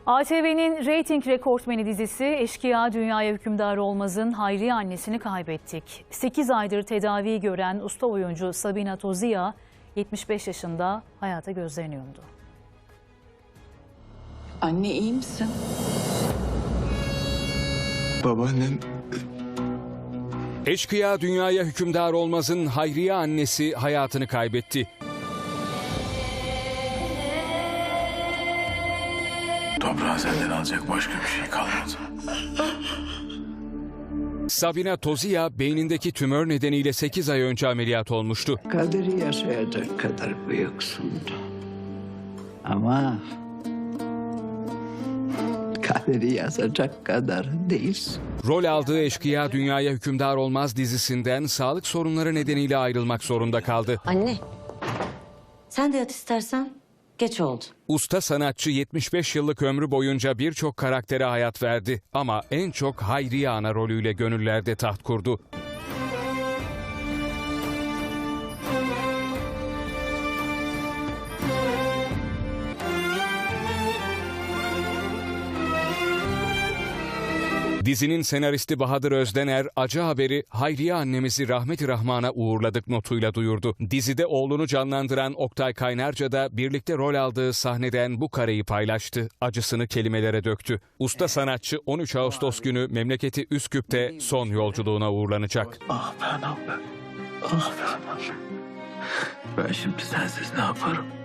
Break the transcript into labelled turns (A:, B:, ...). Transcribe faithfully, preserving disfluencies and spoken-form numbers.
A: A T V'nin reyting rekortmeni dizisi Eşkıya Dünyaya Hükümdar Olmaz'ın Hayriye annesini kaybettik. sekiz aydır tedavi gören usta oyuncu Sabina Tozia yetmiş beş yaşında hayata gözlerini yumdu.
B: Anne, iyi misin?
C: Babaannem...
D: Eşkıya Dünyaya Hükümdar Olmaz'ın Hayriye annesi hayatını kaybetti.
C: Toprağın senden alacak başka bir şey kalmadı.
D: Sabina Tozia beynindeki tümör nedeniyle sekiz ay önce ameliyat olmuştu.
E: Kaderi yaşayacak kadar büyüksün. Ama kaderi yazacak kadar değilsin.
D: Rol aldığı Eşkıya Dünyaya Hükümdar Olmaz dizisinden sağlık sorunları nedeniyle ayrılmak zorunda kaldı.
F: Anne, sen de yat istersen. Geç oldu.
D: Usta sanatçı yetmiş beş yıllık ömrü boyunca birçok karaktere hayat verdi ama en çok Hayriye ana rolüyle gönüllerde taht kurdu. Dizinin senaristi Bahadır Özdener, acı haberi Hayriye annemizi rahmeti rahmana uğurladık notuyla duyurdu. Dizide oğlunu canlandıran Oktay Kaynarca da birlikte rol aldığı sahneden bu kareyi paylaştı. Acısını kelimelere döktü. Usta sanatçı on üç Ağustos günü memleketi Üsküp'te son yolculuğuna uğurlanacak.
C: Ah ben, ah ben. Ah ben. Ben şimdi sensiz ne yaparım?